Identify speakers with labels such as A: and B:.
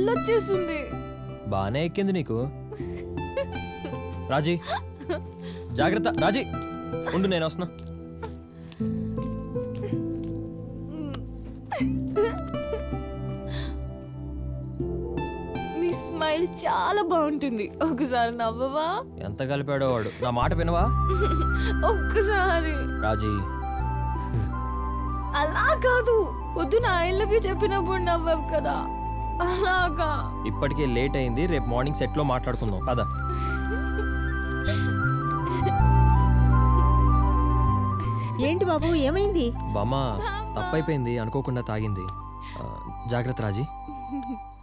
A: Thrill వచ్చేసింది.
B: బానే ఎక్కింది నీకు. రాజీ జాగ్రత్త. రాజీ ఉండు, నేను వస్తున్నా.
A: నీ స్మైల్ చాలా బాగుంటుంది. ఒకసారి నవ్వవా?
B: ఎంత కలిపాడో వాడు. నా మాట వినవా?
A: ఒక్కసారి.
B: రాజీ
A: అలా కాదు, వద్దు. నా ఐ లవ్ యూ చెప్పినప్పుడు నవ్వవు కదా, అలాగా.
B: ఇప్పటికే లేట్ అయింది. రేపు మార్నింగ్ సెట్లో మాట్లాడుకుందాం పద.
C: ఏంటి బాబు, ఏమైంది?
B: బామ్మ తప్పైపోయింది, అనుకోకుండా తాగింది. జాగ్రత్త రాజీ.